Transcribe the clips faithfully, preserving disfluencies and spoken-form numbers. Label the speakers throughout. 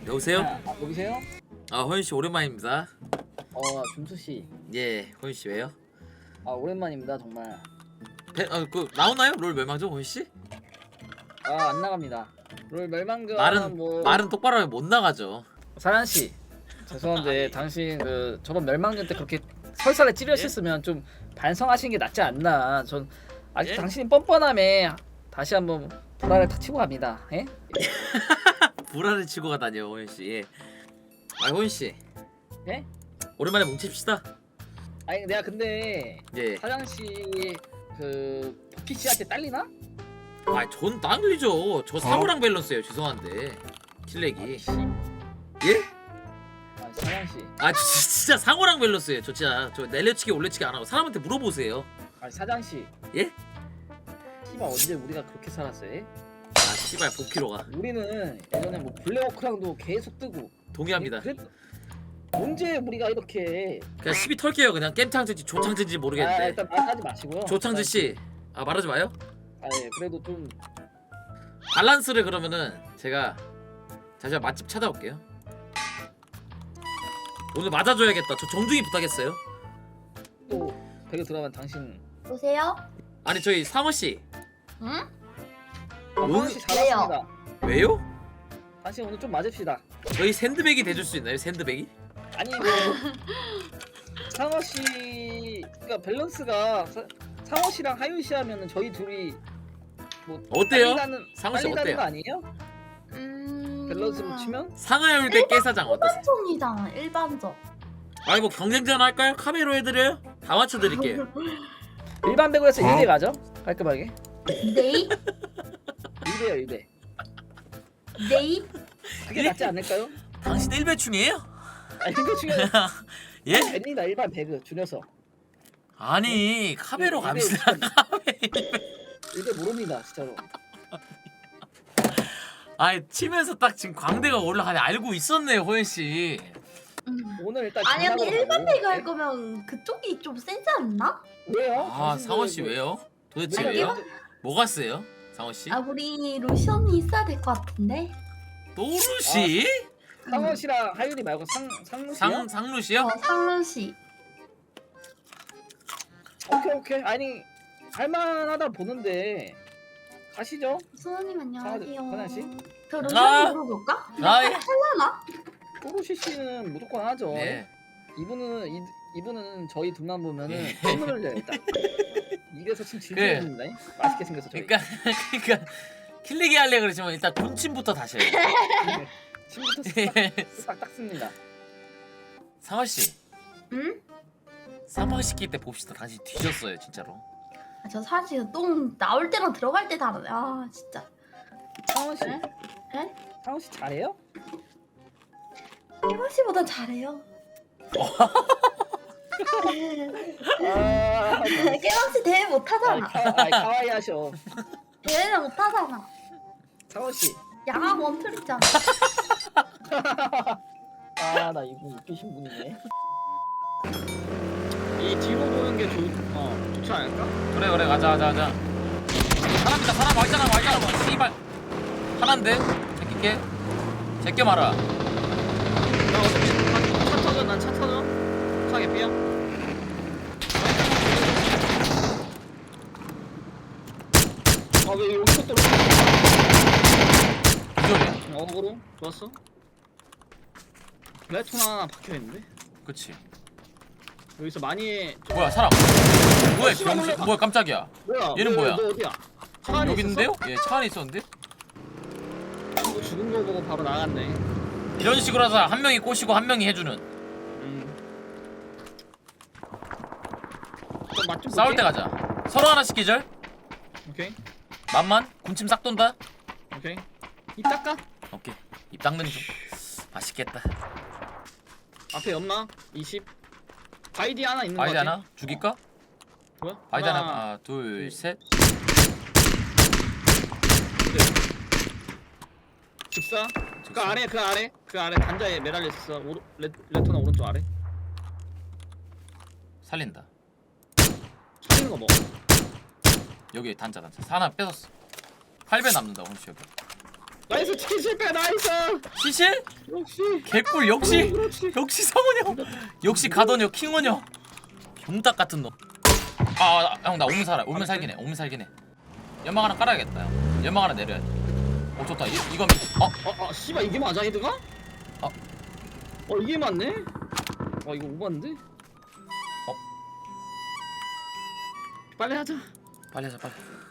Speaker 1: 여보세요?
Speaker 2: 아, 아, 여보세요?
Speaker 1: 아 호윤씨 오랜만입니다.
Speaker 2: 어, 준수씨.
Speaker 1: 예, 호윤씨 왜요?
Speaker 2: 아, 오랜만입니다, 정말.
Speaker 1: 배, 어, 그 나오나요? 롤 멸망전 호윤씨?
Speaker 2: 아, 안 나갑니다. 롤 멸망전
Speaker 1: 말은
Speaker 2: 뭐
Speaker 1: 말은 똑바로 하면 못 나가죠.
Speaker 2: 사란씨. 죄송한데 당신 그 저번 멸망전 때 그렇게 설사를 찌르셨으면 좀 반성하시는 게 낫지 않나. 전 아직
Speaker 1: 예?
Speaker 2: 당신이 뻔뻔함에 다시 한번 불화를 탁 치고 갑니다. 예?
Speaker 1: 불화를 치고 가다니요 호윤씨. 예. 아 호윤씨
Speaker 2: 예?
Speaker 1: 오랜만에 뭉칩시다.
Speaker 2: 아니 내가 근데
Speaker 1: 예.
Speaker 2: 사장씨 그 피씨한테 딸리나?
Speaker 1: 아전 땅들리죠. 저 사고랑 밸런스예요. 죄송한데 킬렉이. 예?
Speaker 2: 아, 사장씨.
Speaker 1: 아 저, 저, 진짜 상호랑 밸런스예요. 저 진짜 저 내려치기 올려치기 안 하고 사람한테 물어보세요.
Speaker 2: 아, 사장씨.
Speaker 1: 예?
Speaker 2: 씨발 언제 우리가 그렇게 살았어요? 예?
Speaker 1: 아 씨발 복키로가
Speaker 2: 우리는 예전에 뭐 블랙워크랑도 계속 뜨고
Speaker 1: 동의합니다.
Speaker 2: 그랬... 언제 우리가 이렇게
Speaker 1: 그냥 시비 털게요. 그냥 겜창진지 조창진지
Speaker 2: 아,
Speaker 1: 모르겠는데.
Speaker 2: 일단 말하지 마시고요.
Speaker 1: 조창진 씨, 아 말하지 마요.
Speaker 2: 아, 예, 그래도 좀
Speaker 1: 밸런스를 그러면은 제가 잠시만 맛집 찾아올게요. 오늘 맞아줘야겠다. 저 정중히 부탁했어요.
Speaker 2: 또 배그 들어가면 당신
Speaker 3: 보세요.
Speaker 1: 아니 저희 상호 씨
Speaker 3: 응?
Speaker 2: 상원 씨 잘했습니다.
Speaker 1: 왜요?
Speaker 2: 당신 오늘 좀 맞읍시다.
Speaker 1: 저희 샌드백이 돼줄 수 있나요? 샌드백이?
Speaker 2: 아니 뭐 상원 씨 그러니까 밸런스가 사, 상원 씨랑 하윤 씨 하면은 저희 둘이 뭐
Speaker 1: 어때요?
Speaker 2: 딸리다는-
Speaker 1: 상원 씨
Speaker 2: 딸리다는
Speaker 1: 어때요?
Speaker 2: 거 아니에요?
Speaker 3: 음.
Speaker 2: 밸런스로 치면?
Speaker 1: 상하율 대 깨사장 어떠세요?
Speaker 3: 일반적이잖아. 일반적.
Speaker 1: 아니 뭐 경쟁전 할까요? 카메로 해드려요? 다 맞춰드릴게요.
Speaker 2: 일반 배구에서
Speaker 1: 어?
Speaker 2: 일 대 가죠? 깔끔하게.
Speaker 3: 네이?
Speaker 2: 일 대요 일 대.
Speaker 3: 네이?
Speaker 2: 그게 낫지 않을까요?
Speaker 1: 당신 일배충이에요?
Speaker 2: 아, 일 대 중요해.
Speaker 1: 예?
Speaker 2: 됩니다 일반 배그 줄여서.
Speaker 1: 아니 카메로
Speaker 2: 일-
Speaker 1: 갑시다. 카메.
Speaker 2: 일 대 모릅니다 진짜로.
Speaker 1: 아니 치면서 딱 지금 광대가 올라가네. 알고 있었네요 호연 씨.
Speaker 3: 음.
Speaker 2: 오늘 일단
Speaker 3: 아니 근데
Speaker 2: 장난으로
Speaker 3: 일반
Speaker 2: 가고.
Speaker 3: 배그 할 거면 그쪽이 좀 세지 않나?
Speaker 2: 왜요?
Speaker 1: 아
Speaker 2: 당신들
Speaker 1: 상원 씨
Speaker 2: 뭐-
Speaker 1: 왜요? 도대체
Speaker 3: 아니,
Speaker 1: 왜요? 뭐가 세요? 상원 씨?
Speaker 3: 아 우리 로션이 있어야 될 것 같은데.
Speaker 1: 노루 씨?
Speaker 2: 상원 씨랑 하윤이 말고 상 상무 씨요?
Speaker 1: 상 상루 씨요?
Speaker 3: 어 상루 씨.
Speaker 2: 오케이 오케이. 아니 할만하다 보는데 가시죠.
Speaker 3: 수호님 안녕하세요.
Speaker 2: 선아 씨?
Speaker 3: 저
Speaker 1: 아.
Speaker 3: 로션이 물어볼까?
Speaker 1: 아 예.
Speaker 3: 하나?
Speaker 2: 또르시 씨는 무조건 하죠.
Speaker 1: 네.
Speaker 2: 이분은 이, 이분은 저희 둘만 보면은
Speaker 1: 예.
Speaker 2: 침을 흘려요 일단. 입에서 침 질질
Speaker 1: 그래.
Speaker 2: 흘립니다. 맛있게 생겨서 저희.
Speaker 1: 그러니까 그러니까 킬리기 할래 그러지만 일단 군침부터 다시 해요.
Speaker 2: 네. 침부터 쓱싹 닦습니다.
Speaker 1: 상원 씨
Speaker 3: 응?
Speaker 1: 상방 시킬 때 봅시다. 당신 뒤졌어요 진짜로.
Speaker 3: 아, 저 사실 똥 나올 때랑 들어갈 때 다르네. 아 진짜.
Speaker 2: 상원 씨,
Speaker 3: 에? 에?
Speaker 2: 상원 씨 잘해요?
Speaker 3: 깨방 씨보단 잘해요.
Speaker 2: 아,
Speaker 3: 깨방 씨 대회 못
Speaker 2: 아,
Speaker 3: 하잖아.
Speaker 2: 카, 아, 카와이 하셔.
Speaker 3: 대회를 못 하잖아.
Speaker 2: 상원 씨,
Speaker 3: 양아 원툴 있잖아.
Speaker 2: 아 나 이분 웃기신 분이네. 이 뒤로 보는 게 좋, 어, 좋지 않을까?
Speaker 1: 그래 그래 가자 가자 가자. 사람이다 사람 와있잖아 와있잖아 뭐 씨발. 하나인데 제끼게 제껴 말아.
Speaker 2: 나 어차피 차, 차 터져, 난 차 터져. 차게 삐야. 아 왜 여기서 또?
Speaker 1: 기절이야.
Speaker 2: 어그로 좋았어. 레톤 하나 박혀 있는데
Speaker 1: 그치.
Speaker 2: 여기서 많이
Speaker 1: 뭐야 사람. 뭐야
Speaker 2: 어, 씨발,
Speaker 1: 병신.
Speaker 2: 놀라.
Speaker 1: 뭐야 깜짝이야.
Speaker 2: 뭐야?
Speaker 1: 얘는
Speaker 2: 왜,
Speaker 1: 뭐야?
Speaker 2: 너 어디야? 차 안에
Speaker 1: 여기
Speaker 2: 있었어?
Speaker 1: 있는데요? 예 차 안에 있었는데.
Speaker 2: 뭐 죽은 거 보고 바로 나갔네.
Speaker 1: 이런 식으로 해서 한 명이 꼬시고 한 명이 해주는.
Speaker 2: 음. 맛좀
Speaker 1: 싸울 때 가자. 서로 하나씩 기절.
Speaker 2: 오케이
Speaker 1: 만만 군침 싹 돈다.
Speaker 2: 오케이. 입 닦아.
Speaker 1: 오케이 입 닦는 중. 맛있겠다.
Speaker 2: 앞에 연마 이십. 바이디 하나 있는 거
Speaker 1: 바이디
Speaker 2: 같아.
Speaker 1: 하나 죽일까?
Speaker 2: 뭐야?
Speaker 1: 바이디 하나 하나 둘 셋.
Speaker 2: 즉사. 그
Speaker 1: 즉사.
Speaker 2: 아래 그 아래 그 아래 단자에 매달려 있어. 오르, 레, 레토나 오른쪽 아래.
Speaker 1: 살린다.
Speaker 2: 살리는 거 뭐?
Speaker 1: 여기 단자 단자 하나 뺏었어. 팔 배 남는다 오늘 여기.
Speaker 2: 나이스 치킨 실패 나이스.
Speaker 1: 시실?
Speaker 2: 역시.
Speaker 1: 개꿀 역시
Speaker 2: 그렇지.
Speaker 1: 역시 성원형 역시 가더녀 킹원형 용닭 같은 놈. 아 형 나 오면 살아 오면 살긴 해 오면 살긴 해. 연막 하나 깔아야겠다 형. 연막 하나 내려야 돼. 오 좋다 이, 이건 어?
Speaker 2: 어, 어, 씨발 이게 맞아 헤드가?
Speaker 1: 어?
Speaker 2: 어 이게 맞네? 어 이거 오반데?
Speaker 1: 어?
Speaker 2: 빨리 하자.
Speaker 1: 빨리 하자 빨리.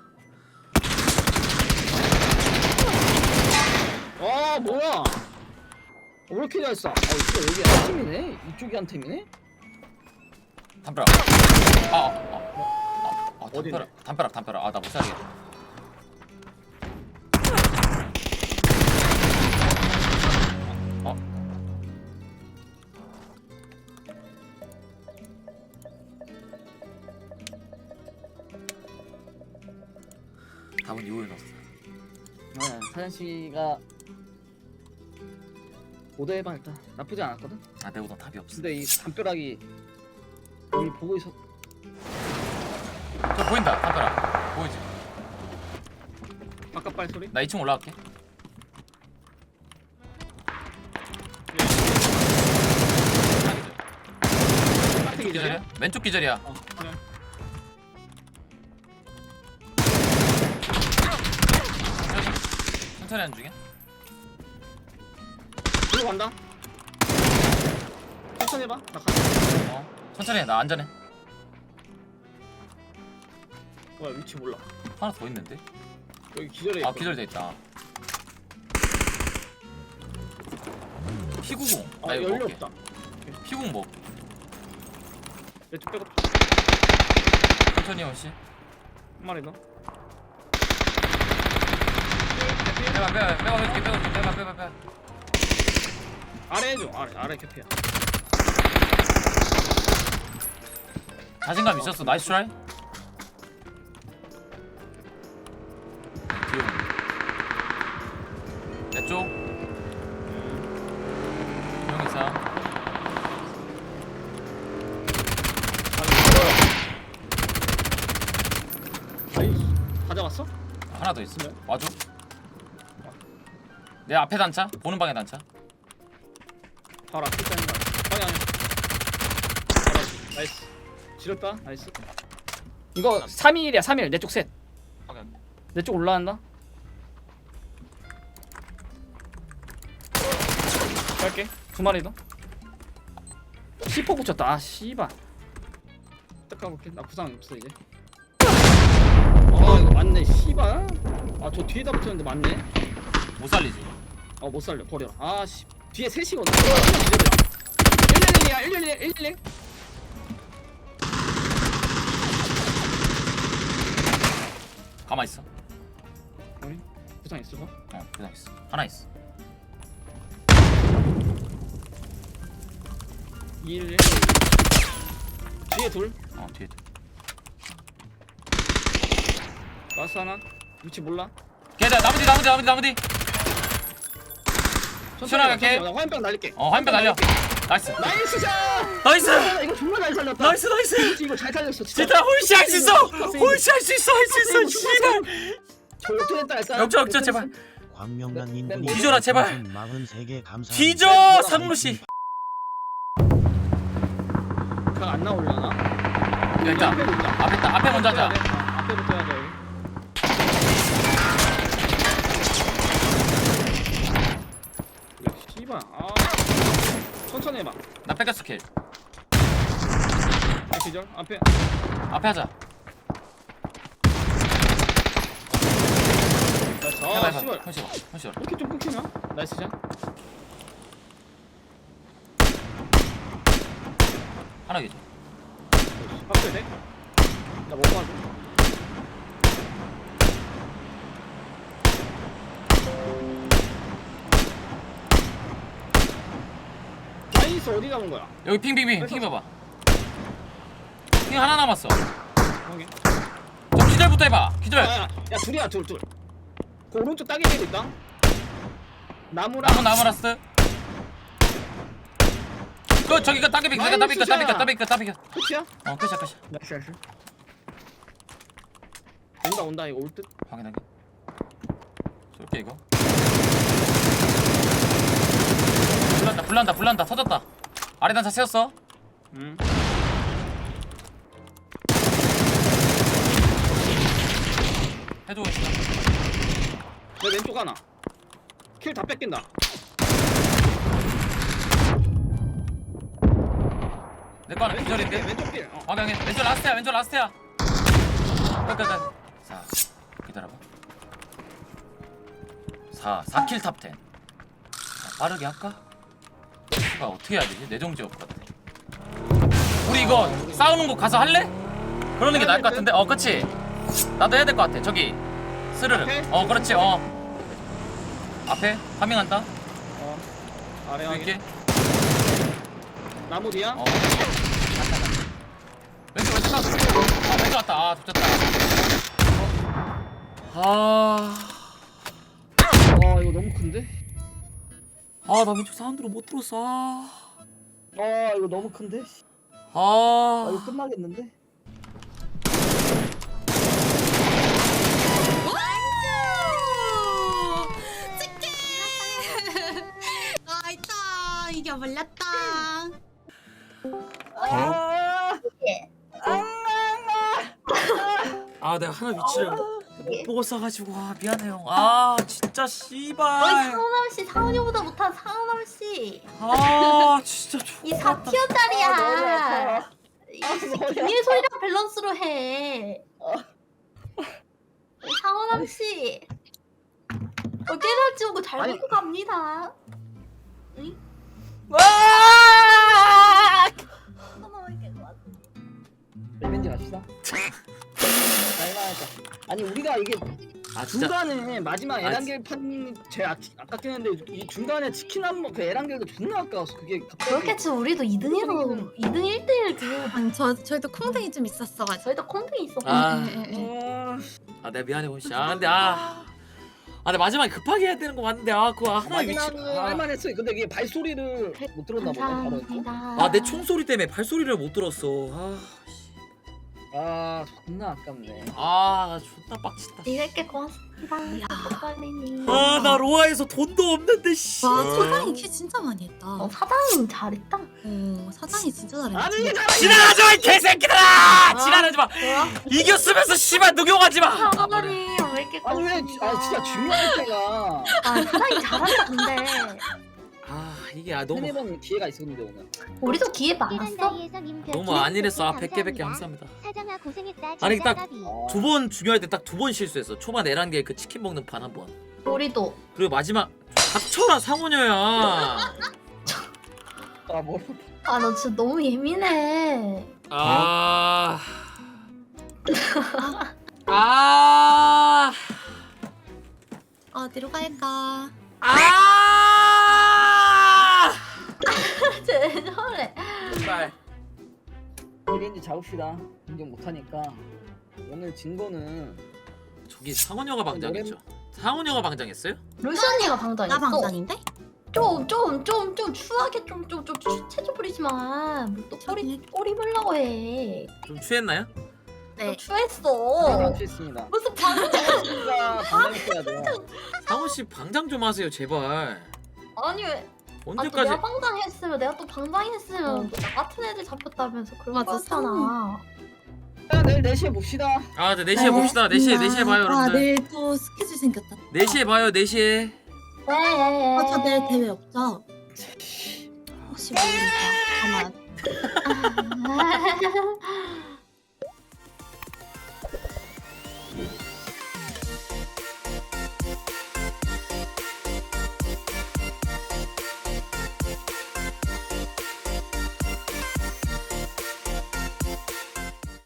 Speaker 2: 아 뭐야? 어, 왜 이렇게 잘 쏴? 어 진짜 여기 한 팀이네? 이쪽이 한 팀이네?
Speaker 1: 담벼락. 아, 아, 아, 아,
Speaker 2: 어디네?
Speaker 1: 담벼락, 담벼락, 담벼락. 아, 나 못 살겠다. 어, 답은 이후에 넣었어.
Speaker 2: 네, 사장 씨가 오더해봐 일단 나쁘지 않았거든.
Speaker 1: 아, 내보다 답이 없어.
Speaker 2: 근데 이 담벼락이 여기 보고 있었.
Speaker 1: 저 보인다, 담벼락. 보이지?
Speaker 2: 바깥 발 소리?
Speaker 1: 나 이 층 올라갈게.
Speaker 2: 앞에
Speaker 1: 왼쪽 기절이야? 왼쪽 기절이야.
Speaker 2: 어 그래.
Speaker 1: 천천히 하는 중이야?
Speaker 2: 이거 간다. 천천히 해봐. 나 가.
Speaker 1: 어, 천천히 해. 나 안전해.
Speaker 2: 뭐야 위치 몰라.
Speaker 1: 하나 더 있는데?
Speaker 2: 여기 기절해.
Speaker 1: 아, 기절돼 있다. 피구공.
Speaker 2: 아
Speaker 1: 나 이거
Speaker 2: 연료
Speaker 1: 먹을게.
Speaker 2: 없다.
Speaker 1: 피구공 먹.
Speaker 2: 내쪽 빼고
Speaker 1: 천천히 형 씨.
Speaker 2: 한 마리 더.
Speaker 1: 빼봐 빼봐 빼봐 빼봐 빼봐 빼봐 빼봐 빼봐.
Speaker 2: 아래 해줘. 아래 아래 캐피야.
Speaker 1: 자신감 있었어. 나이스 트라이. 뒤에 내 쪽. 형 있어.
Speaker 2: 아이 가져갔어?
Speaker 1: 하나 더 있어. 와줘. 내 앞에 단차. 보는 방에 단차.
Speaker 2: 바로 앞에 있다는 거 아니야? 방향. 바로 앞. 나이스. 지렸다. 나이스. 이거 삼 일이야 삼 일. 내 쪽 셋. 내 쪽 올라간다. 갈게. 두 마리 더. 시포 붙였다. 아 씨발. 딱 가볼게. 나 부상 없어 이제. 아 이거 맞네. 씨발. 아 저 뒤에다 붙였는데 맞네.
Speaker 1: 못 살리지.
Speaker 2: 어 못 살려. 버려. 아 씨. 뒤에 셋이거든. 일일일이야. 일일일. 일일일.
Speaker 1: 가만 있어.
Speaker 2: 어이? 부상 있어 봐.
Speaker 1: 어, 그냥 있어. 하나 있어.
Speaker 2: 이일일. 뒤에 둘.
Speaker 1: 어, 뒤에.
Speaker 2: 라스 하나. 위치 몰라.
Speaker 1: 걔다 나머지 나머지 나머지 나머지. 시원하게 할게.
Speaker 2: 나 화염병 날릴게.
Speaker 1: 어, 화염병 날려. 나이스.
Speaker 2: 나이스 샷.
Speaker 1: 나이스.
Speaker 2: 아, 이거 정말 잘 살렸다.
Speaker 1: 나이스 나이스.
Speaker 2: 이거 잘 살렸어. 진짜.
Speaker 1: 진짜 홀씨 할 수 있어. 홀씨 할 수 있어 할 수 있어. 씨발.
Speaker 2: 저 역전했다 했어.
Speaker 1: 역전 역전 제발.
Speaker 4: 광명란
Speaker 2: 네,
Speaker 4: 인분이
Speaker 2: 네,
Speaker 1: 뒤져라, 제발.
Speaker 4: 사십삼 개 감사합니다.
Speaker 1: 뒤져 상무 씨.
Speaker 2: 그냥 안 나오려나?
Speaker 1: 야 있다.
Speaker 2: 앞에 있다.
Speaker 1: 앞에 있다. 앞에 먼저 하자.
Speaker 2: 아, 앞에부터 해야 돼. 여기. 야, 씨발. 아. 천천히 해봐.
Speaker 1: 나 뺏겼어 킬.
Speaker 2: 아, 기절. 앞에.
Speaker 1: 앞에 하자.
Speaker 2: 나이스.
Speaker 1: 해봐
Speaker 2: 아,
Speaker 1: 해봐.
Speaker 2: 씨발.
Speaker 1: 컨시 봐. 컨시 봐.
Speaker 2: 이렇게 좀 끊기나? 나이스 샷.
Speaker 1: 하나 기죠.
Speaker 2: 앞에 돼? 나못 봐줘. 나이스 어디 가는 거야?
Speaker 1: 여기 핑핑핑 핑 봐봐. 핑 하나 남았어.
Speaker 2: 여기.
Speaker 1: 저 기절부터 해봐. 기절.
Speaker 2: 야, 야, 야 둘이야 둘 둘. 그 오른쪽 따개비도 있다. 나무랑.
Speaker 1: 나무 나무라스. 그 저기가 따개비 그니까 따비가 따비가 따비가 따비가.
Speaker 2: 끝이야?
Speaker 1: 어 끝이야 끝이야.
Speaker 2: 나이스 나이스. 온다 온다 이거 올 듯.
Speaker 1: 확인하게. 쏠게 이거. 불난다 불난다 터졌다. 아래 단차 세웠어.
Speaker 2: 응.
Speaker 1: 해줘.
Speaker 2: 내 왼쪽 하나. 킬 다 뺏긴다.
Speaker 1: 내거 하나 기절인데.
Speaker 2: 왼쪽 킬. 어.
Speaker 1: 아 형님 왼쪽 라스트야 왼쪽 라스트야. 끝끝끝. 자 기다려봐. 사 사 킬 탑 텐. 자, 빠르게 할까? 아 어떻게 해야 되지? 내정지 없을 것 같아. 우리 이거 싸우는 곳 가서 할래? 그러는 게 나을 것 같은데. 어 그치. 나도 해야 될 것 같아. 저기 스르르.
Speaker 2: 앞에?
Speaker 1: 어 그렇지. 어 앞에 파밍한다.
Speaker 2: 어. 아래 확인.
Speaker 1: 이렇게.
Speaker 2: 나무 뒤야?
Speaker 1: 어. 왼쪽 왼쪽 가. 아 왼쪽 왔다. 아 좋겠다. 아.
Speaker 2: 와 이거 너무 큰데?
Speaker 1: 아 나 왼쪽 사운드로 못 들었어. 아.
Speaker 2: 아 이거 너무 큰데?
Speaker 1: 아.
Speaker 2: 아 이거 끝나겠는데?
Speaker 4: 아 있다 이겨버렸다.
Speaker 2: 아,
Speaker 3: 예.
Speaker 1: 아 내가 하나 위치를 못 보고 써가지고 아 미안해요. 아 진짜
Speaker 3: 어이
Speaker 1: 씨발.
Speaker 3: 상은함 씨 상은이보다 못한 상은함 씨.
Speaker 1: 아 진짜
Speaker 3: 이
Speaker 1: 좋아.
Speaker 3: 사 티어짜리야.
Speaker 2: 아,
Speaker 3: 이 김일 소리랑 밸런스로 해. 상은함 씨. 어 깨달지 오고 잘
Speaker 2: 아니.
Speaker 3: 먹고 갑니다. 응?
Speaker 1: 와!
Speaker 3: 너무 이렇게 좋아.
Speaker 2: 리벤지 갑시다. 날만하자. 아니 우리가 이게
Speaker 1: 아 진짜.
Speaker 2: 중간에 마지막
Speaker 1: 아,
Speaker 2: 에란겔 판 제일 아, 아깝긴 한데 이 중간에 치킨 한번그 에란겔도 존나 아까웠어. 그게 갑자기
Speaker 3: 그렇겠지 우리도 이 등에서 이 등 일 대 일 그
Speaker 4: 아니 저 저희도 콩등이 좀 있었어가지고.
Speaker 3: 저희도 콩등이 있었고
Speaker 1: 아.
Speaker 4: 예, 예, 예.
Speaker 2: 어...
Speaker 1: 아 내가 미안해 원씨. 아 근데 아. 아 근데 마지막에 급하게 해야 되는 거 맞는데 아 그거 하나 위치.
Speaker 2: 마지막은 할만했어. 근데 이게 발소리를 못 들었나 보네. 바로.
Speaker 3: 감사합니다.
Speaker 1: 아 내 총소리 때문에 발소리를 못 들었어. 아.
Speaker 2: 아 존나 아깝네.
Speaker 1: 아 존나 빡친다.
Speaker 3: 이렇게 고맙습니다. 빨리님.
Speaker 1: 아 나 로아에서 돈도 없는데 씨.
Speaker 4: 와 사장이 키 진짜 많이 했다.
Speaker 3: 어
Speaker 4: 어,
Speaker 3: 사장님 잘했다.
Speaker 4: 사장이 진짜 잘했다.
Speaker 2: 아니 이게
Speaker 1: 지랄하지 마 이 개새끼들아. 지랄하지 마.
Speaker 3: 뭐야?
Speaker 1: 이겼으면서 씨발 녹용하지 마.
Speaker 3: 사장님 왜 이렇게
Speaker 2: 아니 왜?
Speaker 3: 고맙습니다.
Speaker 2: 아 진짜 중요할 때가
Speaker 3: 아 사장님 잘한다 근데.
Speaker 1: 아 이게 아 너무
Speaker 2: 세네 번 기회가 있었는데 오늘.
Speaker 3: 우리도 기회 많았어.
Speaker 1: 너무 안일했어. 아 백 개 백 개 감사합니다.
Speaker 5: 사장아 고생했다.
Speaker 1: 아니, 딱-
Speaker 5: 진짜
Speaker 2: 아,
Speaker 1: 두 번 중요할 때 딱 두 번 실수했어. 초반 에란게 그 치킨 먹는 판 한 번.
Speaker 3: 우리도.
Speaker 1: 그리고 마지막 닥쳐라 상원녀야.
Speaker 2: 아 뭐?
Speaker 3: 아 너 진짜 너무 예민해.
Speaker 1: 아. 아.
Speaker 4: 어디로 갈까?
Speaker 1: 아.
Speaker 3: 쟤 저래.
Speaker 1: 제발.
Speaker 2: 리벤지 잡읍시다. 인정 못하니까 오늘 진 거는
Speaker 1: 저기 상원녀가 방장했죠. 상원녀가 방장했어요?
Speaker 3: 루시언니가 방장했어.
Speaker 4: 나 방장인데?
Speaker 3: 좀좀 좀 좀 추하게 좀 좀 좀 체조 부리지만 뭐또 꼬리 꼬리 물라고 해.
Speaker 1: 좀 취했나요?
Speaker 3: 너
Speaker 4: 네.
Speaker 3: 추했어.
Speaker 2: 감사했습니다.
Speaker 3: 무슨 방장?
Speaker 2: 진짜 반장했어야 돼.
Speaker 1: 상원 씨 방장 좀 하세요 제발.
Speaker 3: 아니 왜? 아, 또
Speaker 1: 언제까지?
Speaker 3: 내가 방장했으면 내가 또 방장했으면
Speaker 4: 어.
Speaker 3: 또 나 같은 애들 잡혔다면서 그런
Speaker 4: 맞아,
Speaker 3: 거였잖아.
Speaker 2: 자, 내일 네 시에 봅시다.
Speaker 1: 아, 네, 네 시에 봅시다. 네 시에 네 시에 봐요,
Speaker 4: 아
Speaker 1: 여러분들.
Speaker 4: 내일 또 스케줄 생겼다.
Speaker 1: 네 시에 봐요, 네 시에.
Speaker 3: 네.
Speaker 4: 아, 저 내일 대회 없죠? 혹시 모르니까 가만.